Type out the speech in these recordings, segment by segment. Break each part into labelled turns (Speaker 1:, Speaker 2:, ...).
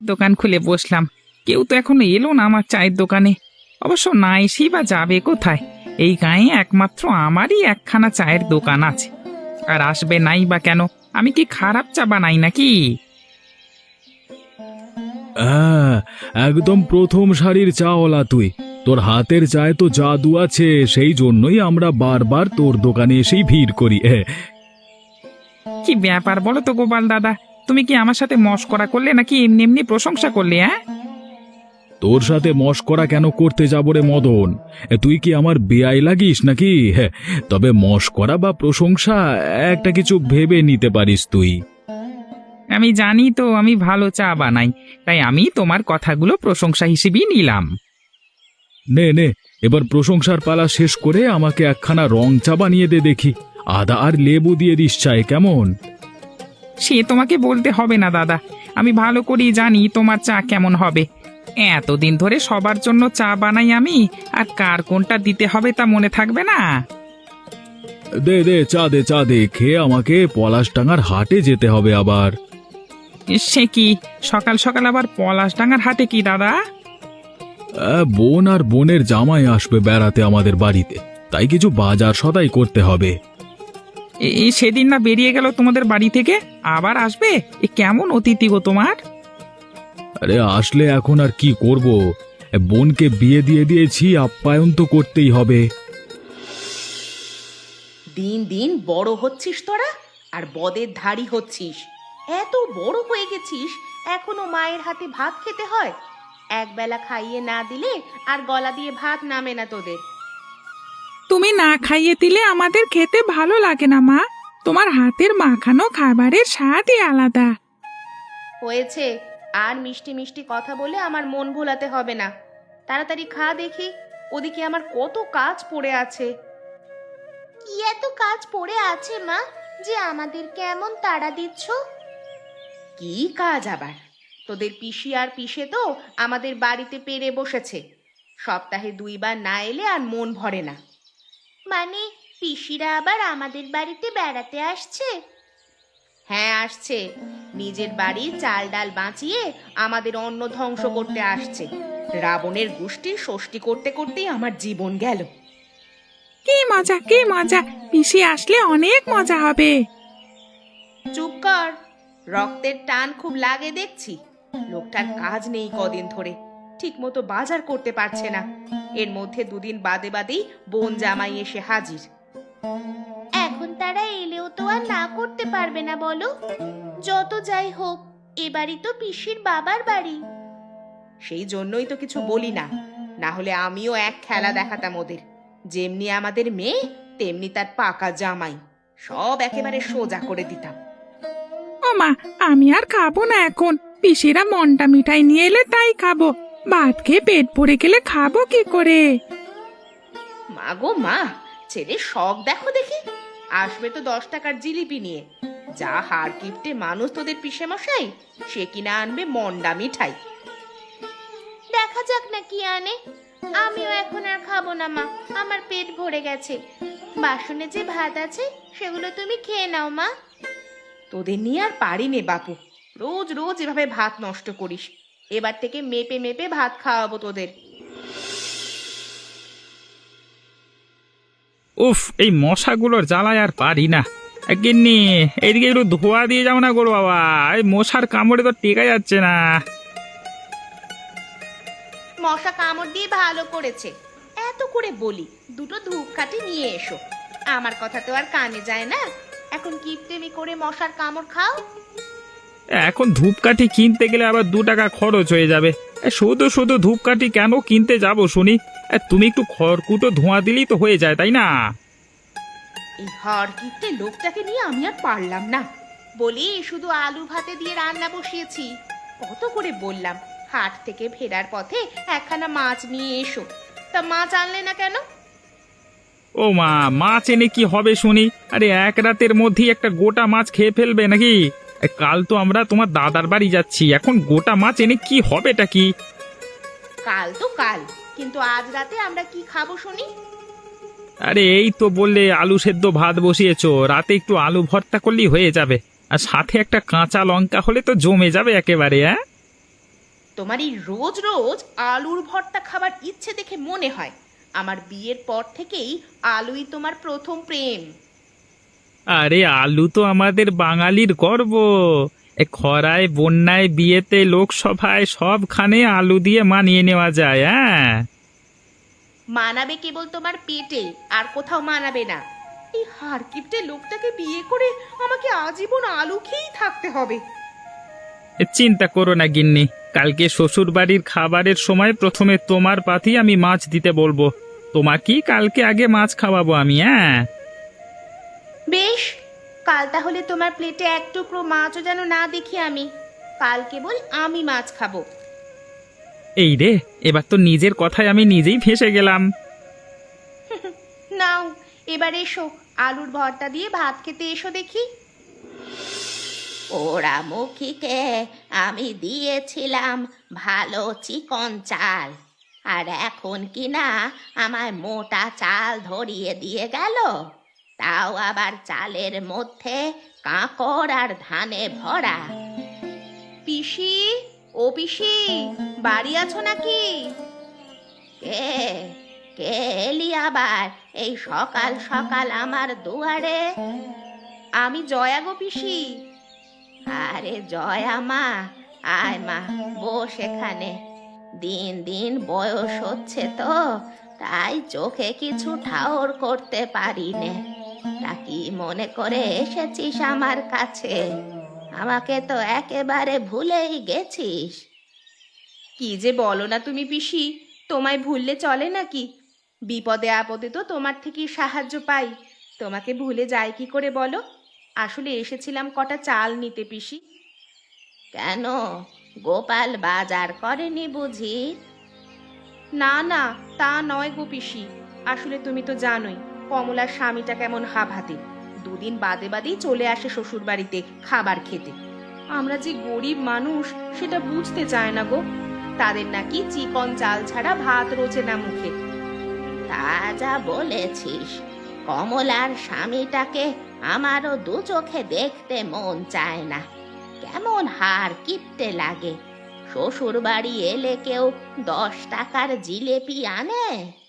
Speaker 1: দোকান খুলে বসলাম। কেউ তো এখনো এলো না আমার চায়ের দোকানে। অবশ্য না এসেই বা যাবে কোথায়? এই গাঁয়ে একমাত্র আমারই একখানা চায়ের দোকান আছে। আর আসবে নাই বা কেন? আমি কি খারাপ চা বানাই নাকি?
Speaker 2: হ্যাঁ, একদম প্রথম সারির চাওয়ালা তুই। তোর হাতের চায় তো জাদু আছে, সেই জন্যই আমরা বারবার তোর দোকানে এসেই ভিড় করি।
Speaker 1: কি ব্যাপার বলো তো গোপাল দাদা, তুমি কি আমার সাথে মশকরা করলে নাকি এমনি এমনি প্রশংসা করলে? হ্যাঁ,
Speaker 2: তোর সাথে মশকরা কেন করতে যাব রে মদন? তুই কি আমার বেয়াই লাগিস নাকি? তবে মশকরা বা প্রশংসা একটা কিছু ভেবে নিতে পারিস তুই।
Speaker 1: আমি জানি তো আমি ভালো চা বানাই, তাই আমি তোমার কথাগুলো প্রশংসা হিসেবেই নিলাম।
Speaker 2: নে নে, এবার প্রশংসার পালা শেষ করে আমাকে একখানা রং চা বানিয়ে দে দেখি। আদা আর লেবু দিয়ে দিস চায়, কেমন?
Speaker 1: সে তোমাকে বলতে হবে না দাদা, আমি ভালো করেই জানি তোমার চা কেমন হবে। এতদিন ধরে সবার জন্য চা বানাই আমি, আর কার কোনটা দিতে হবে তা মনে থাকবে না?
Speaker 2: দে দে, চা দে, চা দে। খেয়ে আমাকে পলাশডাঙ্গার হাটে যেতে হবে আবার।
Speaker 1: সে কি সকাল সকাল আবার পলাশডাঙ্গার হাটে কি দাদা?
Speaker 2: বোন আর বোনের জামাই আসবে বেড়াতে আমাদের বাড়িতে, তাই কিছু বাজার সদাই করতে হবে।
Speaker 1: সেদিন না বেরিয়ে গেল তোমাদের বাড়ি থেকে, আবার আসবে? কেমন অতিথি গো তোমার!
Speaker 2: আরে আসলে এখন আর কি করব? বোনকে বিয়ে দিয়ে দিয়েছি, আপ্যায়ন তো করতেই হবে।
Speaker 3: দিন দিন বড় হচ্ছিস তোরা, আর বদের ধাড়ি হচ্ছিস। এত বড় হয়ে গেছিস, এখনো মায়ের হাতে ভাত খেতে হয়। একবেলা খাইয়ে না দিলে আর গলা দিয়ে ভাত নামে না তোদের।
Speaker 1: তুমি না খাইয়ে দিলে আমাদের খেতে ভালো লাগে না মা। তোমার হাতের মাখানো খাবারের স্বাদই আলাদা।
Speaker 3: হয়েছে, আর মিষ্টি মিষ্টি কথা বলে আমার মন ভোলাতে হবে না। তাড়াতাড়ি খা দেখি, ওদিকে আমার কত কাজ পড়ে আছে। কি এত কাজ পড়ে আছে মা, যে আমাদের কেমন তাড়া দিচ্ছ? কি কাজ আবার? তোদের পিসি আর পিসে তো আমাদের বাড়িতে পেরে বসেছে। সপ্তাহে 2 বার না এলে আর মন ভরে না। মানে পিসিরা আবার আমাদের বাড়িতে বেড়াতে আসছে? হ্যাঁ আসছে, নিজের বাড়ি চাল ডাল বাঁচিয়ে আমাদের অন্ন ধ্বংস করতে আসছে। রাবণের গোষ্ঠীর ষষ্ঠী করতে করতেই আমার জীবন গেল।
Speaker 1: কি মজা, কি মজা! পিসি আসলে অনেক মজা হবে।
Speaker 3: চুপ কর, রক্তের টান খুব লাগে দেখছি। লোকটার কাজ নেই কদিন ধরে, ঠিক মতো বাজার করতে পারছে না। এর মধ্যে 2 দিন বাদে বাদেই বোন জামাই এসে হাজির। এখন তারা এলেও তো আর না করতে পারবে না বলো? যত যাই হোক, এবারই তো পিসির বাবার বাড়ি। সেই জন্যই তো কিছু বলি না, না হলে আমিও এক খেলা দেখাতাম ওদের। যেমনি আমাদের মেয়ে, তেমনি তার পাকা জামাই, সব একেবারে সোজা করে দিতাম।
Speaker 1: ও মা, আমি আর খাবো না এখন। পিসিরা মন্ডা মিঠাই নিয়ে এলে তাই খাবো। ভাত খেয়ে পেট ভরে গেলে খাবো কি করে?
Speaker 3: মা গো মা, ছেলের শখ দেখো দেখি। আসবে তো 10 টাকার জিলিপি নিয়ে। যা হাড় কিপটে মানুষ তোদের পিসে মশাই, সে কিনা আনবে মন্ডা মিঠাই। দেখা যাক না কি আনে। আমিও এখন আর খাবো না মা, আমার পেট ভরে গেছে। বাসনে যে ভাত আছে সেগুলো তুমি খেয়ে নাও মা। তোদের নিয়ে আর পারি নে বাপু, রোজ রোজ এভাবে ভাত নষ্ট করিস। এবার থেকে মেপে মেপে ভাত খাওয়াবো তোদের।
Speaker 1: উফ, এই মশাগুলোর জ্বালায় আর পারি না। গিন্নি, এইদিকে একটু ধোয়া দিয়ে যাও না গো বাবা, এই মশার কামড়ে তো টেকা যাচ্ছে না।
Speaker 3: মশা কামড় দিয়ে ভালো করেছে। এত করে বলি 2টো ধূপকাঠি নিয়ে এসো, আমার কথা তো আর কানে যায় না। এখন কিপটেমি করে মশার কামড় খাও।
Speaker 1: এখন ধূপকাঠি কিনতে গেলে আবার 2 টাকা খরচ হয়ে যাবে। শুধু শুধু ধূপকাঠি কেন কিনতে যাব শুনি? তুমি একটু খড়কুটো ধোঁয়া দিলেই তো হয়ে যায়, তাই না?
Speaker 3: এই হাড় কিপটে লোকটাকে নিয়ে আমি আর পারলাম না। বলি শুধু আলু ভাতে দিয়ে রান্না বসিয়েছি। কত করে বললাম হাট থেকে ফেরার পথে একখানা মাছ নিয়ে এসো, তা মাছ আনলে না কেন?
Speaker 1: ও মা, মাছ এনে কি হবে শুনি? আরে এক রাতের মধ্যেই একটা গোটা মাছ খেয়ে ফেলবে নাকি? কাল তো আমরা তোমার দাদার বাড়ি যাচ্ছি, এখন গোটা মাছ এনে কি হবেটা কি?
Speaker 3: কাল তো কাল, কিন্তু আজ রাতে আমরা কি খাবো শুনি?
Speaker 1: আরে এই তো বললে আলু সেদ্ধ ভাত বসিয়েছো, রাতে একটু আলু ভর্তা করলেই হয়ে যাবে। আর সাথে একটা কাঁচা লঙ্কা হলে তো জমে যাবে একেবারে। হ্যাঁ,
Speaker 3: তোমার এই রোজ রোজ আলুর ভর্তা খাবার ইচ্ছে দেখে মনে হয় আমার বিয়ের পর থেকেই আলুই তোমার প্রথম প্রেম।
Speaker 1: আরে আলু তো আমাদের বাঙালির গর্ব। এ খরায় বন্যায় বিয়েতে লোকসভায় সবখানে আলু দিয়ে মানিয়ে নেওয়া যায়। হ্যাঁ,
Speaker 3: মানাবে কেবল তোমার পেটে, আর কোথাও মানাবে না। এই হারকিপ্টে লোকটাকে বিয়ে করে আমাকে আজীবন আলু খেয়েই থাকতে হবে।
Speaker 1: চিন্তা করো না গিন্নি, কালকে শ্বশুর বাড়ির খাবারের সময় প্রথমে তোমার পাতেই আমি মাছ দিতে বলবো। তোমাকেই কালকে আগে মাছ খাওয়াবো আমি। হ্যাঁ,
Speaker 3: বেশ, কাল তাহলে তোমার প্লেটে এক টুকরো মাছও যেন না দেখি আমি। কাল কেবল আমি মাছ খাবো।
Speaker 1: এই রে, এবার তো নিজের কথায় আমি নিজেই ফেঁসে গেলাম।
Speaker 3: নাও, এবার এসো, আলুর ভর্তা দিয়ে ভাত খেতে এসো দেখি। ওরা মুখিকে আমি দিয়েছিলাম ভালো চিকন চাল, আর এখন কি না আমায় মোটা চাল ধরিয়ে দিয়ে গেল, তাও আবার চালের মধ্যে কাঁকড় আর ধানে ভরা। পিসি, ও পিসি, বাড়ি আছো নাকি? কে কে এলি আবার এই সকাল সকাল আমার দুয়ারে? আমি জয়া গো পিসি। আরে জয়া মা, আয় মা, বস এখানে। দিন দিন বয়স হচ্ছে তো, তাই চোখে কিছু ঠাউর করতে পারি নে। তা কি মনে করে এসেছিস আমার কাছে? আমাকে তো একেবারে ভুলেই গেছিস। কি যে বলো না তুমি পিসি, তোমায় ভুললে চলে নাকি? বিপদে আপদে তো তোমার থেকেই সাহায্য পাই, তোমাকে ভুলে যাই কি করে বলো? আসলে এসেছিলাম কটা চাল নিতে পিসি। কেন, গোপাল বাজার করেনি বুঝি? না না, তা নয় গো পিসি, আসলে তুমি তো জানোই কমলার স্বামীটা কেমন হাভাতে। দুদিন বাদে বাদেই চলে আসে শ্বশুর বাড়িতে খাবার খেতে। আমরা যে গরিব মানুষ সেটা বুঝতে চায় না গো। তাদের নাকি চিকন চাল ছাড়া ভাত রোচে না মুখে। তা যা বলেছিস, কমলার স্বামীটাকে আমারও দু চোখে দেখতে মন চায় না। কেমন হার কিপটে লাগে। শ্বশুর বাড়ি এলে কেউ 10 টাকার জিলেপি আনে?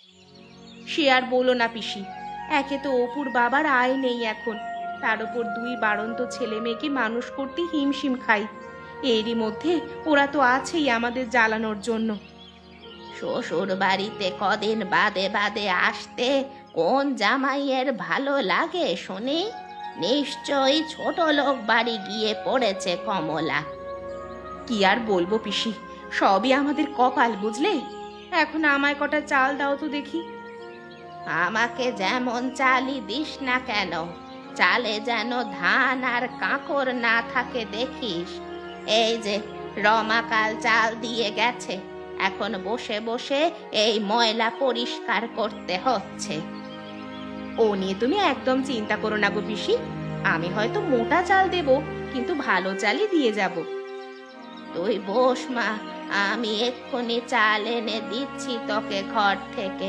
Speaker 3: সে আর বলো না পিসি, একে তো অপুর বাবার আয় নেই এখন, তার উপর 2 বাড়ন্ত ছেলে মেয়েকে মানুষ করতে হিমশিম খাই। এরই মধ্যে ওরা তো আছেই আমাদের জ্বালানোর জন্য। শ্বশুর বাড়িতে কদিন বাদে বাদে আসতে কোন জামাইয়ের ভালো লাগে শুনি? নিশ্চয়ই ছোট লোক বাড়ি গিয়ে পড়েছে কমলা। কি আর বলবো পিসি, সবই আমাদের কপাল বুঝলে। এখন আমায় কটা চাল দাও তো দেখি। আমাকে যেমন চালই দিস না কেন, চালে যেন ধান আর কাঁকর না থাকে দেখিস। এই যে রমাকাল চাল দিয়ে গেছে, এখন বসে বসে এই ময়লা পরিষ্কার করতে হচ্ছে। ও নিয়ে তুমি একদম চিন্তা করো না গো পিসি, আমি হয়তো মোটা চাল দেব, কিন্তু ভালো চালই দিয়ে যাব। তুই বস মা, আমি এক্ষুনি চাল এনে দিচ্ছি তোকে ঘর থেকে।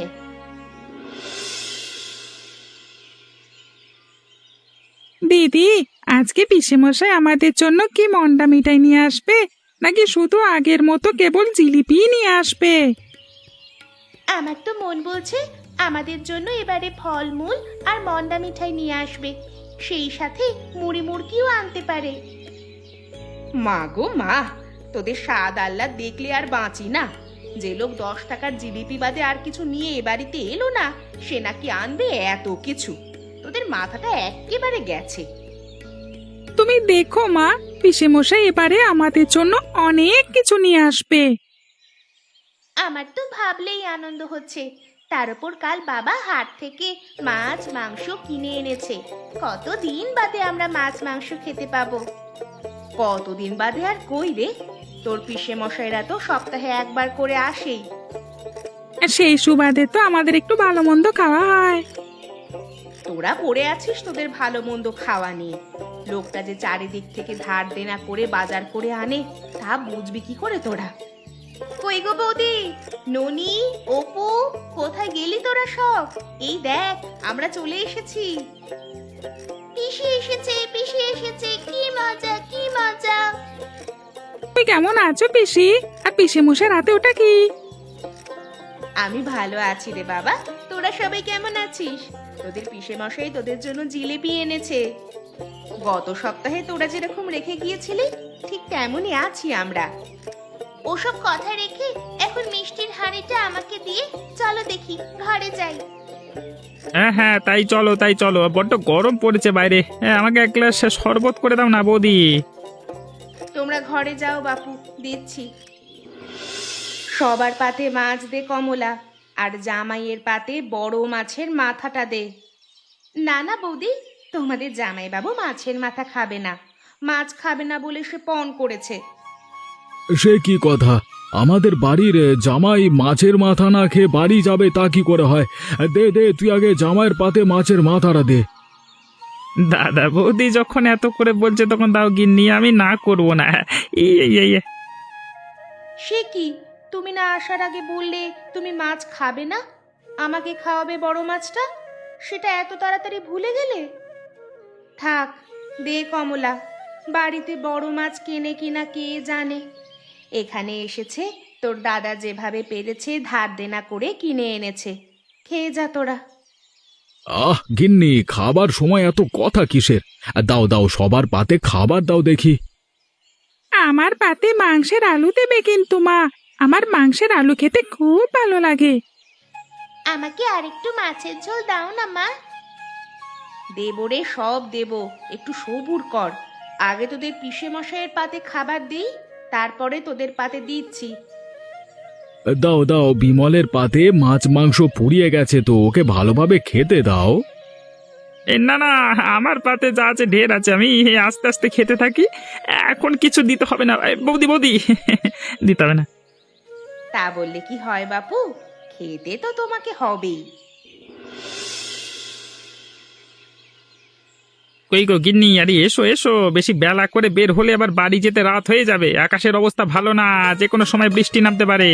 Speaker 1: দিদি, আজকে পিসেমশাই আমাদের জন্য কি মন্ডা মিঠাই নিয়ে আসবে, নাকি শুধু আগের মতো কেবল জিলিপি নিয়ে আসবে?
Speaker 3: আমার তো মন বলছে আমাদের জন্য এবারে ফলমূল আর মন্ডা মিঠাই নিয়ে আসবে, সেই সাথে মুড়ি মুড়কিও আনতে পারে। মা গো মা, তোদের স্বাদ আহ্লাদ দেখলে আর বাঁচি না। যে লোক 10 টাকার জিলিপি বাদে আর কিছু নিয়ে এ বাড়িতে এলো না, সে নাকি আনবে এত কিছু। তোদের মাথাটা একেবারে গেছে।
Speaker 1: তুমি দেখো মা, পিসেমশাই এবারে আমাদের জন্য অনেক কিছু নিয়ে আসবে।
Speaker 3: আমার তো ভাবলেই আনন্দ হচ্ছে। তার উপর কাল বাবা হাট থেকে মাছ মাংস কিনে এনেছে। কতদিন বাদে আমরা মাছ মাংস খেতে পাবো। কতদিন বাদে আর কই রে, তোর পিসে মশাইরা তো সপ্তাহে একবার করে আসেই।
Speaker 1: আর সেই সুবাদে তো আমাদের একটু ভালো মন্দ খাওয়া হয়।
Speaker 3: তোরা পড়ে আছিস তোদের ভালো মন্দ খাওয়া নিয়ে। লোকটা যে চারিদিক থেকে ধার দেনা করে বাজার করে আনে, তা বুঝবি কি করে তোরা? কই গো বৌদি, ননি, অপু, কোথায় গেলি তোরা সব? এই দেখ, আমরা চলে এসেছি। পিসি এসেছে, পিসি এসেছে, কি মজা কি মজা।
Speaker 1: তুই কেমন আছো পিসি? আর পিসে মশার হাতে ওটা কি?
Speaker 3: আমি ভালো আছি রে বাবা। তোরা সবাই কেমন আছিস? তোদের পিসে মশাই তোদের জন্য জিলেপি এনেছে। গত সপ্তাহে তোরা যেরকম রেখে গিয়েছিলি ঠিক তেমনই আছি আমরা। ওসব কথা রেখে এখন মিষ্টির হাঁড়িটা আমাকে দিয়ে চলো দেখি ঘরে যাই।
Speaker 1: হ্যাঁ হ্যাঁ, তাই চলো, বড্ড গরম পড়েছে বাইরে। হ্যাঁ, আমাকে এক গ্লাস শরবত করে দাও না বৌদি।
Speaker 3: তোমরা ঘরে যাও বাপু, দিচ্ছি। সবার পাতে মাছ দে কমলা, আর জামাইয়ের পাতে বড় মাছের মাথাটা দে। না না বৌদি, তোমাদের জামাই বাবু মাছের মাথা খাবে না। মাছ খাবে না বলে সে পণ করেছে।
Speaker 2: সে কি কথা? আমাদের বাড়ির জামাই মাছের মাথা না খেয়ে বাড়ি যাবে তা কি করে হয়? দে দে, তুই আগে জামাইয়ের পাতে মাছের মাথাটা দে।
Speaker 1: দাদা বৌদি যখন এত করে বলছে তখন দাও গিন্নি, আমি না করব না। এই এই এই এই।
Speaker 3: সে কি, তুমি না আসার আগে বললে তুমি মাছ খাবে না, আমাকে খাওয়াবে বড় মাছটা, সেটা এত তাড়াতাড়ি ভুলে গেলে? থাক, দে কমলা, বাড়িতে বড় মাছ কেনে কিনা কে জানে। এখানে এসেছে তোর দাদা যেভাবে পেরেছে ধার দেনা করে কিনে এনেছে, খেয়ে যা তোরা।
Speaker 2: আহ গিন্নি, খাবার সময় এত কথা কিসের? দাও দাও, সবার পাতে খাবার দাও দেখি।
Speaker 1: আমার পাতে মাংসের আলু দেবে কিন্তু মা, আমার মাংসের আলু খেতে খুব ভালো লাগে।
Speaker 3: আমাকে আরেকটু মাছের ঝোল দাও না মা। দেবো রে, সব দেবো, একটু সবুর কর। আগে তোদের পিসে মশাইয়ের পাতে খাবার দিই, তারপরে তোদের পাতে দিচ্ছি।
Speaker 2: দাও দাও, বিমলের পাতে মাছ মাংস পুড়িয়ে গেছে তো, ওকে ভালোভাবে খেতে দাও।
Speaker 1: না না, আমার পাতে যা আছে ঢের আছে, আমি আস্তে আস্তে খেতে থাকি। এখন কিছু দিতে হবে না বৌদি, বৌদি দিতে হবে না।
Speaker 3: তা বললে কি হয় বাপু, খেতে তো তোমাকে হবেই।
Speaker 1: কই গো গিন্নি, আরে এসো এসো, বেশি বেলা করে বের হলে আবার বাড়ি যেতে রাত হয়ে যাবে। আকাশের অবস্থা ভালো না, যে কোনো সময় বৃষ্টি নামতে পারে।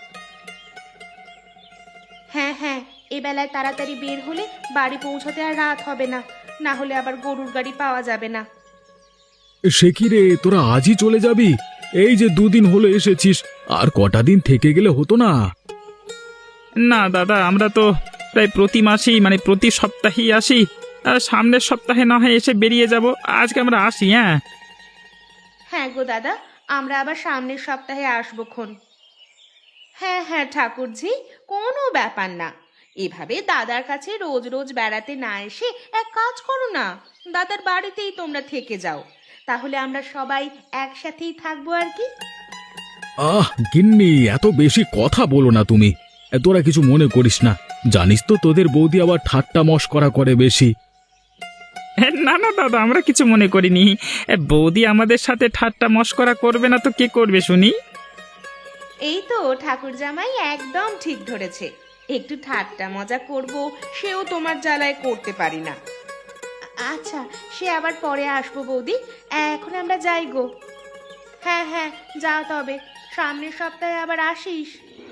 Speaker 3: হ্যাঁ হ্যাঁ, এ বেলায় তাড়াতাড়ি বের হলে বাড়ি পৌঁছতে আর রাত হবে না, না হলে আবার গরুর গাড়ি পাওয়া যাবে না।
Speaker 2: সে কি রে, তোরা আজই চলে যাবি? এই যে দুদিন হলো এসেছিস, আর কটা দিন থেকে গেলে হতো না?
Speaker 1: না দাদা, আমরা তো প্রায় প্রতি মাসেই মানে প্রতি সপ্তাহেই আসি। আর সামনের সপ্তাহে না হয় এসে বেরিয়ে যাব, আজকে আমরা আসি। হ্যাঁ
Speaker 3: হ্যাঁ গো দাদা, আমরা আবার সামনের সপ্তাহে আসবো খন। হ্যাঁ হ্যাঁ ঠাকুরজি, কোনো ব্যাপার না। এভাবে দাদার কাছে রোজ রোজ বেড়াতে না এসে এক কাজ করো না, দাদার বাড়িতেই তোমরা থেকে যাও, তাহলে আমরা সবাই একসাথেই থাকবো আর কি।
Speaker 2: আহ গিন্নি, এত বেশি কথা বলো না তুমি। তোরা কিছু মনে করিস না, জানিস তো তোদের বৌদি আবার ঠাট্টা মশকরা করে বেশি।
Speaker 1: না না দাদা, আমরা কিছু মনে করিনি। বৌদি আমাদের সাথে ঠাট্টা মশকরা করবে না তো কে করবে শুনি?
Speaker 3: এই তো ঠাকুর জামাই একদম ঠিক ধরেছে, একটু ঠাট্টা মজা করব সেও তোমার জ্বালায় করতে পারি না। আচ্ছা, সে আবার পরে আসবো বৌদি, এখন আমরা যাই গো। হ্যাঁ হ্যাঁ, যাও তবে, সামনের সপ্তাহে আবার আসিস।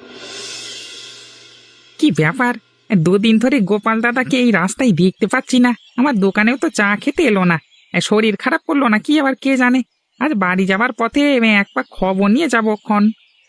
Speaker 1: কি ব্যাপার, দুদিন ধরে গোপাল দাদাকে এই রাস্তায় দেখতে পাচ্ছি না। আমার দোকানেও তো চা খেতে এলো না। শরীর খারাপ করলো না কি আবার কে জানে। আজ বাড়ি যাবার পথে এক পাক খবর নিয়ে যাবো ক্ষণ।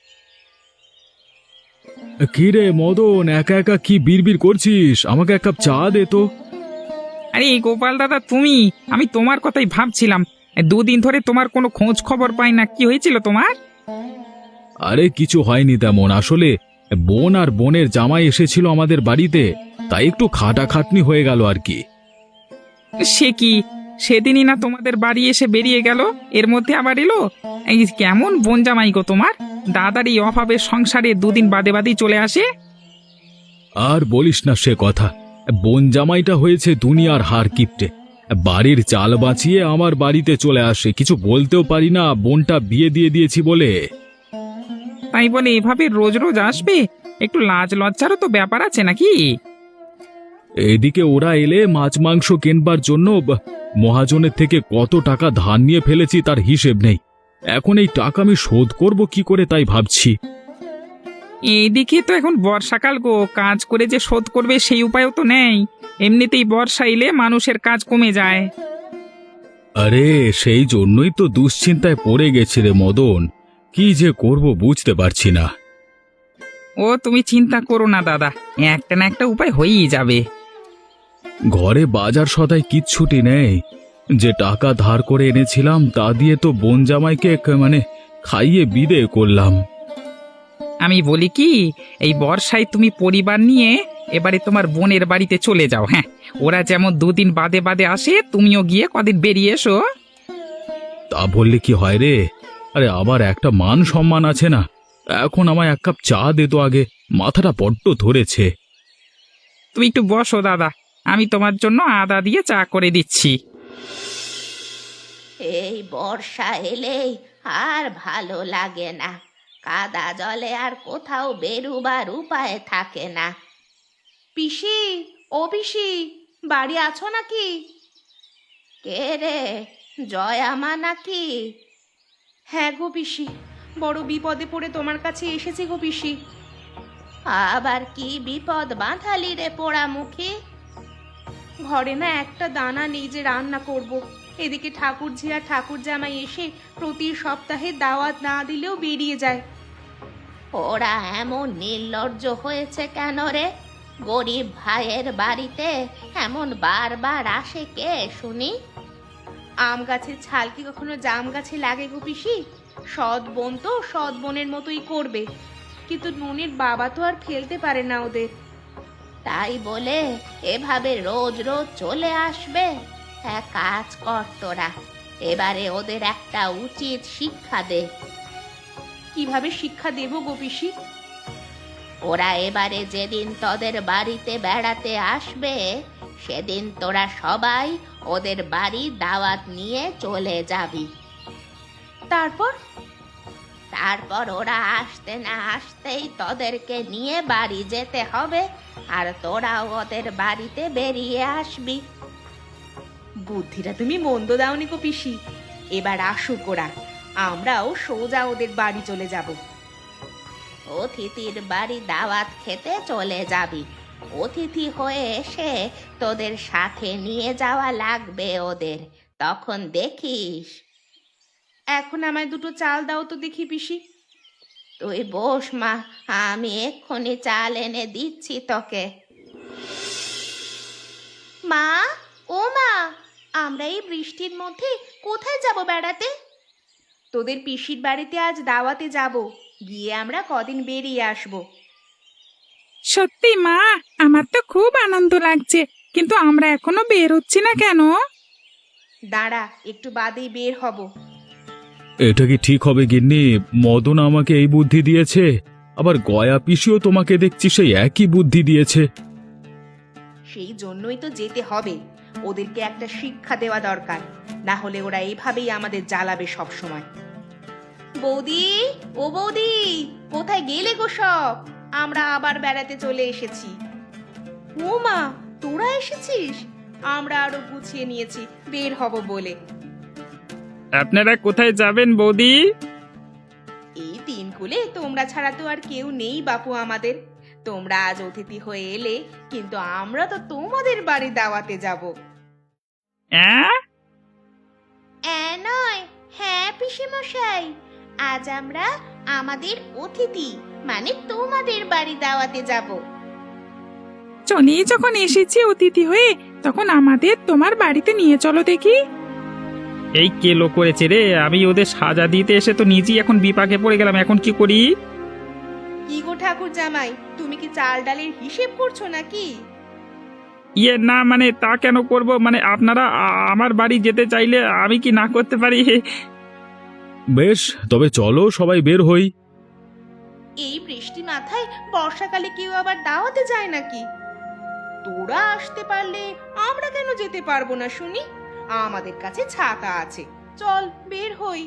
Speaker 2: কি রে মদন, একা একা কি বিড়বিড় করছিস? আমাকে এক কাপ চা দে তো।
Speaker 1: আরে গোপাল দাদা, তুমি, আমি তোমার কথাই ভাবছিলাম। দুদিন ধরে তোমার কোনো খোঁজ খবর পাই না, কি হয়েছিল তোমার?
Speaker 2: আরে কিছু হয়নি তেমন, আসলে বোন আর বোনের জামাই এসেছিল আমাদের বাড়িতে, তাই একটু খাটাখাটনি হয়ে গেল আর কি।
Speaker 1: সে কি, সেদিনই না তোমাদের বাড়ি এসে বেরিয়ে গেল, এর মধ্যে আবার এলো? এই কেমন বোন জামাই গো তোমার, দাদার এই অভাবের সংসারে দুদিন বাদে বাদেই চলে আসে।
Speaker 2: আর বলিস না সে কথা, বোন জামাইটা হয়েছে দুনিয়ার হার কিপটে। বাড়ির চাল বাঁচিয়ে আমার বাড়িতে চলে আসে, কিছু বলতেও পারি না বোনটা বিয়ে দিয়ে দিয়েছি বলে।
Speaker 1: তাই বলে এভাবে রোজ রোজ আসবে? একটু লাজ লজ্জারও তো ব্যাপার আছে নাকি?
Speaker 2: এদিকে ওরা এলে মাছ মাংস কেনবার জন্য মহাজনের থেকে কত টাকা ধার নিয়ে ফেলেছি তার হিসেব নেই। এখন এই টাকা আমি শোধ করব কি করে তাই ভাবছি।
Speaker 1: এইদিকে তো এখন বর্ষাকাল গো, কাজ করে যে শোধ করবে সেই উপায়ও তো নেই। এমনিতেই বর্ষা এলে মানুষের কাজ কমে যায়।
Speaker 2: আরে সেই জন্যই তো দুশ্চিন্তায় পড়ে গেছি রে মদন। কি যে করব বুঝতে পারছি না।
Speaker 1: ও তুমি চিন্তা করো না দাদা, একটা না একটা উপায় হয়েই যাবে।
Speaker 2: ঘরে বাজার সদাই কিচ্ছুটি নেই। যে টাকা ধার করে এনেছিলাম তা দিয়ে তো বোন জামাইকে খাইয়ে বিদে করলাম।
Speaker 1: আমি বলি কি, এই বর্ষায় তুমি পরিবার নিয়ে এবারে তোমার বোনের বাড়িতে চলে যাও। হ্যাঁ, ওরা যেমন দুদিন বাদে বাদে আসে, তুমিও গিয়ে কদিন বেরিয়ে এসো।
Speaker 2: তা বললে কি হয় রে? আরে আবার একটা মান সম্মান আছে না? এখন আমায় এক কাপ চা দে তো আগে, মাথাটা বড্ড ধরেছে।
Speaker 1: তুমি একটু বসো দাদা, আমি তোমার জন্য আদা দিয়ে চা করে দিচ্ছি।
Speaker 3: এই বর্ষা এলেই আর ভালো লাগে না, কাদা জলে আর কোথাও বেরুবার উপায় থাকে না। পিসি, ও পিসি, বাড়ি আছো নাকি? কে রে, জয়া মা নাকি? হ্যাঁ গো পিসি, বড় বিপদে পড়ে তোমার কাছে এসেছি গো পিসি। আবার কি বিপদ বাঁধালি রে পোড়ামুখী? ঘরে না একটা দানা নেই যে রান্না করব। এদিকে ঠাকুরঝি আর ঠাকুর জামাই এসে প্রতি সপ্তাহে দাওয়াত না দিলেও বেরিয়ে যায়। ওরা এমন নির্লজ্জ হয়েছে কেন রে? গরিব ভাইয়ের বাড়িতে এমন বারবার আসে কে শুনি? আম গাছের ছাল কি কখনো জাম গাছে লাগে গো পিসি? সৎ বোন তো সৎ বোনের মতোই করবে, কিন্তু নুনির বাবা তো আর ফেলতে পারে না ওদের। তাই বলে এভাবে রোজ রোজ চলে আসবে? এক কাজ কর তোরা, এবারে ওদের একটা উচিত শিক্ষা দে। কিভাবে শিক্ষা দেব গো পিসি? ওরা এবারে যেদিন তোদের বাড়িতে বেড়াতে আসবে সেদিন তোরা সবাই ওদের বাড়ি দাওয়াত নিয়ে চলে যাবি। তারপর? তারপর ওরা আসতে না আসতেই তোদেরকে নিয়ে বাড়ি যেতে হবে, আর তোরাও ওদের বাড়িতে বেরিয়ে আসবি। বুদ্ধিটা তুমি মন্দ দাওনি গো পিসি। এবার আসুক ওরা, আমরাও সোজা ওদের বাড়ি চলে যাব। অতিথির বাড়ি দাওয়াত খেতে চলে যাবি, অতিথি হয়ে এসে তোদের সাথে নিয়ে যাওয়া লাগবে ওদের, তখন দেখিস। এখন আমায় দুটো চাল দাও তো দেখি পিসি। তুই বস মা, আমি এক্ষুনি চাল এনে দিচ্ছি তোকে। মা, ও মা, আমরা এই বৃষ্টির মধ্যে কোথায় যাব বেড়াতে? তোদের পিসির বাড়িতে আজ দাওয়াতে যাব, গিয়ে আমরা কদিন বেরিয়ে আসব।
Speaker 1: সত্যি মা, আমার তো খুব আনন্দ লাগছে, কিন্তু আমরা এখনো বের হচ্ছি না কেন?
Speaker 3: দাঁড়া, একটু বাদেই বের হব।
Speaker 2: এটা কি ঠিক হবে গিন্নি? মদন আমাকে এই বুদ্ধি দিয়েছে, আবার গয়া পিসিও তোমাকে দেখছি সেই একই বুদ্ধি দিয়েছে।
Speaker 3: সেই জন্যই তো যেতে হবে, ওদেরকে একটা শিক্ষা দেওয়া দরকার, না হলে ওরা এইভাবেই আমাদের জ্বালাবে সব সময়। বৌদি, ও বৌদি, কোথায় গেলে গো সব? আমরা আবার বেড়াতে চলে এসেছি। ও মা, তোরা এসেছিস? আমরা আরো গুছিয়ে নিয়েছি, বের হব বলে।
Speaker 1: আপনারা কোথায় যাবেন বৌদি?
Speaker 3: এই তিন কুলে তোমরা ছাড়া তো আর কেউ নেই বাপু আমাদের। তোমরা আজ অতিথি হয়ে এলে, কিন্তু আমরা তো তোমাদের বাড়ি দাওয়াতে যাব। নয়, হ্যাঁ পিসেমশাই, আজ আমরা আমাদের অতিথি মানে তোমাদের বাড়ি দাওয়াতে যাব।
Speaker 1: চলেই যখন এসেছি অতিথি হয়ে, তখন আমাদের তোমার বাড়িতে নিয়ে চলো দেখি। এই কেলো করেছে রে, আমি ওদের সাজা দিতে এসে তো নিজেই এখন বিপাকে পড়ে গেলাম, এখন কি করি?
Speaker 3: কি গো ঠাকুর জামাই, তুমি কি চাল ডালের হিসেব করছো নাকি?
Speaker 1: না মানে তা কেন করব, মানে আপনারা আমার বাড়ি যেতে চাইলে আমি কি না করতে পারি?
Speaker 2: বেশ, তবে চলো সবাই বের হই।
Speaker 3: এই বৃষ্টি মাথায় বর্ষাকালে কেউ আবার দাওয়াতে যায় নাকি? তোরা আসতে পারলে আমরা কেন যেতে পারবো না শুনি? আমাদের কাছে ছাতা আছে, চল বের হই।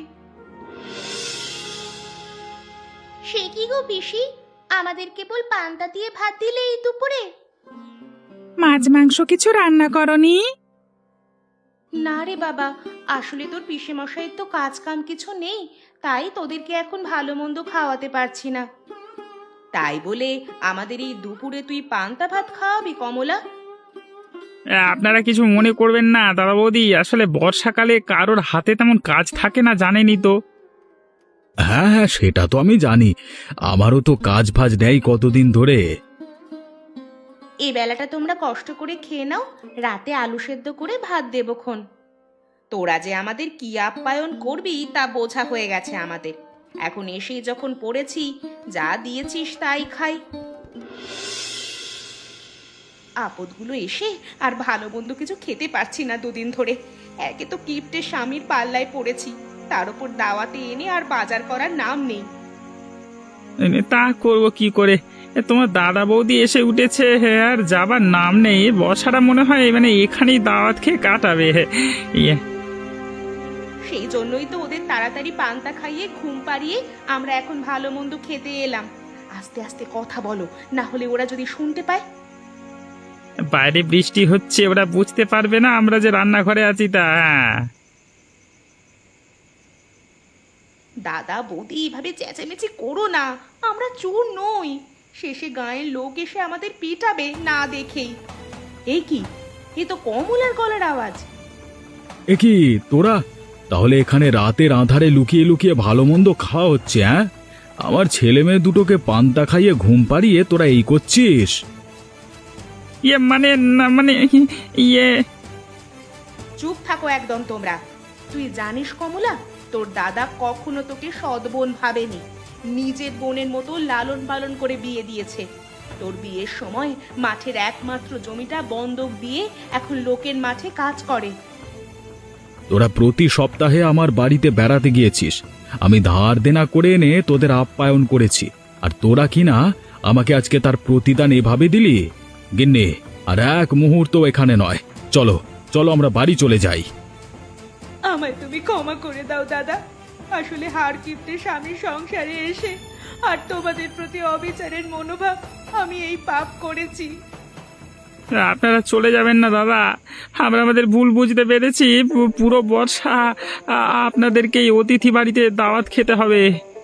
Speaker 3: সে কি গো পিসি, আমাদের কেবল পান্তা দিয়ে ভাত দিলে এই দুপুরে?
Speaker 1: মাছ মাংস কিছু রান্না করনি?
Speaker 3: না রে বাবা, আসলে তোর পিসে মশাইয়ের তো কাজ কাম কিছু নেই, তাই তোদেরকে এখন ভালো মন্দ খাওয়াতে পারছি না। তাই বলে আমাদের এই দুপুরে তুই পান্তা ভাত খাওয়াবি কমলা?
Speaker 1: আপনারা কিছু মনে করবেন না দাদা বৌদি, আসলে বর্ষাকালে কারোর হাতে তেমন কাজ থাকে না, জানেনই তো।
Speaker 2: হ্যাঁ হ্যাঁ, সেটা তো আমি জানি। আমারও তো কাজ ফাজ নেই কতদিন ধরে।
Speaker 3: এই বেলাটা তোমরা কষ্ট করে খেয়ে নাও, রাতে আলু সেদ্ধ করে ভাত দেবক্ষণ। তোরা যে আমাদের কি আপ্যায়ন করবি তা বোঝা হয়ে গেছে আমাদের। এখন এসেই যখন পড়েছি, যা দিয়েছিস তাই খাই। আপদগুলো এসে আর ভালো মন্দ কিছু খেতে পারছি না দুদিন ধরে। একে তো কিপ্টে স্বামীর পাল্লায় পড়েছি, তার উপর দাওয়াতে এনে আর বাজার করার নাম নেই।
Speaker 1: তা করব কি করে? তোমার দাদা বৌদি এসে উঠেছে, আর যাবার নাম নেই। বসাটা মনে হয় এখানেই দাওয়াত খেয়ে কাটাবে। ইয়ে
Speaker 3: সেই জন্যই তো ওদের তাড়াতাড়ি পান্তা খাইয়ে ঘুম পাড়িয়ে আমরা এখন ভালো মন্দ খেতে এলাম। আস্তে আস্তে কথা বলো, না হলে ওরা যদি শুনতে পায়।
Speaker 1: বাইরে বৃষ্টি হচ্ছে, ওরা বুঝতে পারবে না আমরা যে রান্নাঘরে আছি তা।
Speaker 3: দাদা বৌদি এইভাবে চেঁচামেচি করো না, আমরা চোর নই। শেষে গাঁয়ের লোক এসে আমাদের পিটাবে না দেখেই। এই কি, এ তো কমলার গলার আওয়াজ।
Speaker 2: এ কি তোরা তাহলে এখানে রাতের আঁধারে লুকিয়ে লুকিয়ে ভালো মন্দ খাওয়া হচ্ছে? হ্যাঁ, আমার ছেলে মেয়ে দুটোকে পান্তা খাইয়ে ঘুম পাড়িয়ে তোরা এই করছিস?
Speaker 1: ইয়ে না ইয়ে
Speaker 3: চুপ থাকো একদম তোমরা। তুই জানিস কমলা, তোর দাদা কখনো তোকে সৎ বোন ভাবেনি, নিজের বোনের মতো লালন পালন করে বিয়ে দিয়েছে। তোর বিয়ের সময় মাঠের একমাত্র জমিটা বন্ধক দিয়ে এখন লোকের মাঠে কাজ করে।
Speaker 2: তোরা প্রতি সপ্তাহে আমার বাড়িতে বেড়াতে গিয়েছিস, আমি ধার দেনা করে এনে তোদের আপ্যায়ন করেছি, আর তোরা কিনা আমাকে আজকে তার প্রতিদান এভাবে দিলি? গিন্নি, আর এক মুহূর্ত এখানে নয়, চলো চলো আমরা বাড়ি চলে যাই।
Speaker 3: আমায় তুমি ক্ষমা করে দাও দাদা। আসলে হার কিপ্টে স্বামীর সংসারে এসে আর তোমাদের প্রতি অবিচারের মনোভাব, আমি এই পাপ করেছি।
Speaker 1: আপনারা চলে যাবেন না দাদা, আমরা আমাদের ভুল বুঝতে পেরেছি। পুরো বর্ষা আপনাদেরকে এই অতিথি বাড়িতে দাওয়াত খেতে হবে।